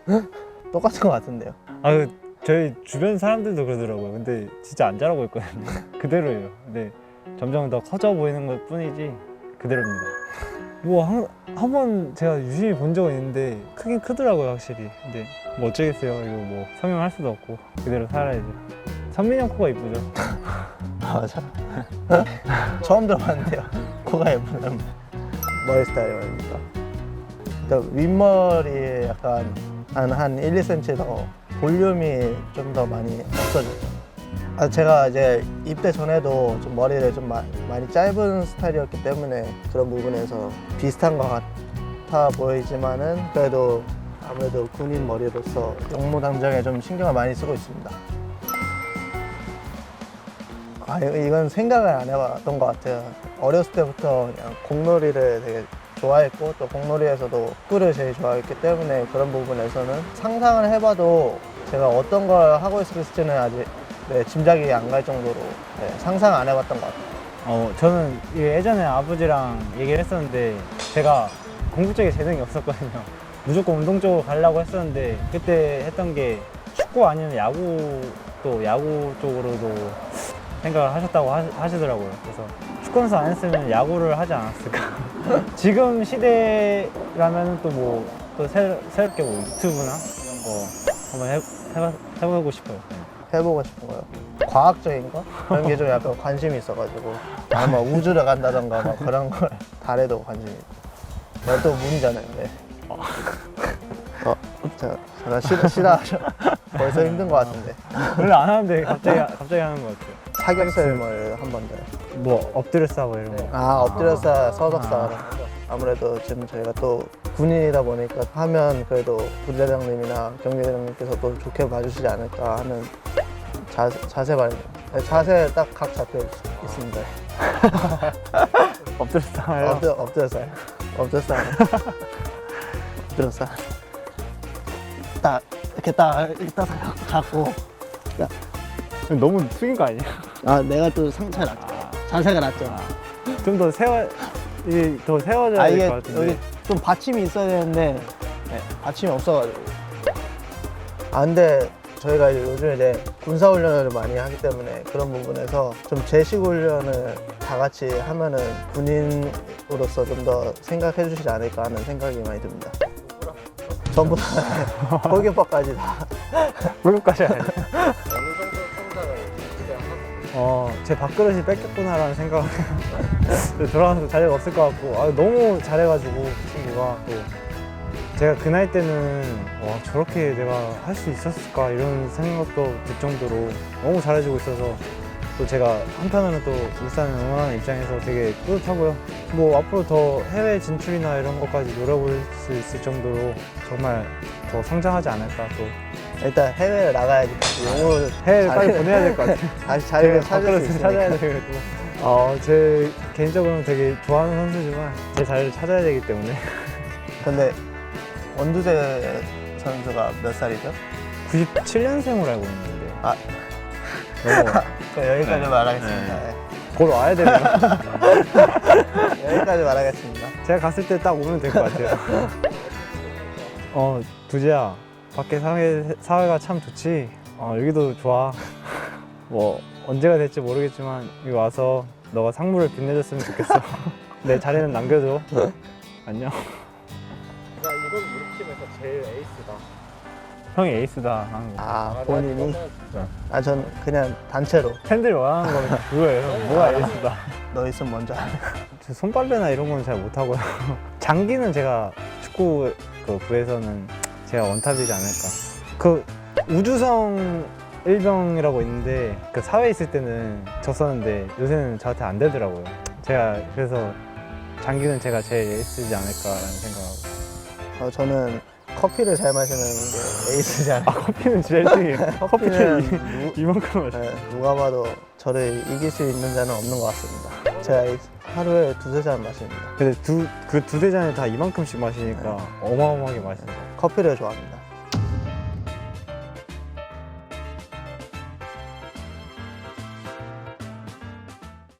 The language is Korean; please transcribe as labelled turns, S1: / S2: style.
S1: 똑같은 것 같은데요.
S2: 저희 주변 사람들도 그러더라고요. 근데 진짜 안 자라고 있거든요. 그대로예요. 근데 점점 더 커져 보이는 것 뿐이지 그대로입니다. 뭐 한 번 제가 유심히 본 적은 있는데 크긴 크더라고요, 확실히. 근데 뭐 어쩌겠어요. 이거 뭐 성형할 수도 없고 그대로 살아야죠. 선민이 형 코가 이쁘죠?
S1: 맞아. 처음 들어봤는데요. 코가 예쁘다는 머리 스타일이 말입니까? 그러니까 윗머리에 약간 한 1, 2cm 더 볼륨이 좀 더 많이 없어졌죠. 제가 이제 입대 전에도 좀 머리를 좀 많이 짧은 스타일이었기 때문에 그런 부분에서 비슷한 것 같아 보이지만은 그래도 아무래도 군인 머리로서 용모당장에 좀 신경을 많이 쓰고 있습니다. 이건 생각을 안 해봤던 것 같아요. 어렸을 때부터 그냥 공놀이를 되게 좋아했고 또 공놀이에서도 축구를 제일 좋아했기 때문에 그런 부분에서는 상상을 해봐도 제가 어떤 걸 하고 있을지는 아직 짐작이 안 갈 정도로 상상 안 해봤던 것 같아요.
S2: 저는 예전에 아버지랑 얘기를 했었는데 제가 공부 쪽에 재능이 없었거든요. 무조건 운동 쪽으로 가려고 했었는데 그때 했던 게 축구 아니면 야구 쪽으로도 생각을 하셨다고 하시더라고요. 그래서 축구 선수 안 했으면 야구를 하지 않았을까. 지금 시대라면 또 새롭게 뭐 유튜브나 이런 거 한번 해보고 싶어요.
S1: 해보고 싶은 거요. 과학적인 거? 그런 게 좀 약간 관심이 있어가지고 아마 우주를 간다던가 막 그런 걸 달에도 관심이 있고 또 문이잖아요. 네. 제가 싫어하죠. 벌써 힘든 것 같은데.
S2: 원래 안 하는데 갑자기 하는 것 같아요.
S1: 사격설을 한 번 더.
S2: 뭐 엎드려 싸고 이런 거.
S1: 엎드려서 서덕사. 아무래도 지금 저희가 또 군인이다 보니까 하면 그래도 부대장님이나 경비대장님께서 또 좋게 봐주시지 않을까 하는 자세 말이에요. 자세 딱 각 잡혀 있습니다.
S2: 엎드려 싸요.
S1: 엎드려서 딱 이렇게 딱 갖고
S2: 너무 숙인 거 아니에요?
S1: 내가 또 상처가 났죠. 자세가 났죠.
S2: 좀 더 더 세워져야 될 것 같은데.
S1: 여기 좀 받침이 있어야 되는데 받침이 없어가지고. 근데 저희가 요즘에 이제 군사훈련을 많이 하기 때문에 그런 부분에서 좀 제식훈련을 다 같이 하면은 군인으로서 좀 더 생각해 주시지 않을까 하는 생각이 많이 듭니다. 전부 다 골키퍼까지 다.
S2: 골키퍼까지 해야 돼. 제 밥그릇이 뺏겼구나라는 생각. 돌아가서 자리가 없을 것 같고 너무 잘해가지고 친구가 또 제가 그 나이 때는 저렇게 내가 할 수 있었을까 이런 생각도 들 정도로 너무 잘해주고 있어서 또 제가 한편으로는 또 울산을 응원하는 입장에서 되게 뿌듯하고요. 뭐 앞으로 더 해외 진출이나 이런 것까지 노려볼 수 있을 정도로 정말 더 성장하지 않을까. 또
S1: 일단 해외를 나가야지.
S2: 해외를 빨리 보내야 될 것 같아요.
S1: 다시 자리를 찾을 수 있으니까.
S2: 찾아야 되고. 제 개인적으로는 되게 좋아하는 선수지만 제 자리를 찾아야 되기 때문에.
S1: 근데 원두재 선수가 몇 살이죠?
S2: 97년생으로 알고 있는데.
S1: 여기까지 말하겠습니다. 네.
S2: 곧 와야 되네요.
S1: 여기까지 말하겠습니다.
S2: 제가 갔을 때 딱 오면 될 것 같아요. 두재야, 밖에 사회가 참 좋지? 여기도 좋아. 뭐 언제가 될지 모르겠지만 여기 와서 너가 상무를 빛내줬으면 좋겠어. 내 자리는 남겨줘. 안녕. 나 이번 우리 팀에서 제일 에이스다. 형이 에이스다.
S1: 본인이? 전 그냥 단체로.
S2: 팬들이 원하는 건 그거예요. 뭐가 에이스다.
S1: 너 있으면 먼저 하네.
S2: 손빨래나 이런 건 잘 못하고요. 장기는 제가 축구 부에서는 제가 원탑이지 않을까. 그 우주성 일병이라고 있는데 그 사회에 있을 때는 졌었는데 요새는 저한테 안 되더라고요. 제가 그래서 장기는 제가 제일 에이스지 않을까라는 생각하고.
S1: 저는 커피를 잘 마시는 게 에이스지 않을까.
S2: 커피는 제일 1등이에요. 커피는 이만큼 마셔요.
S1: 누가 봐도 저를 이길 수 있는 자는 없는 것 같습니다. 제가 하루에 2-3잔 마십니다.
S2: 근데 그 두세 잔을 다 이만큼씩 마시니까 어마어마하게 마시는 거예요.
S1: 커피를 좋아합니다.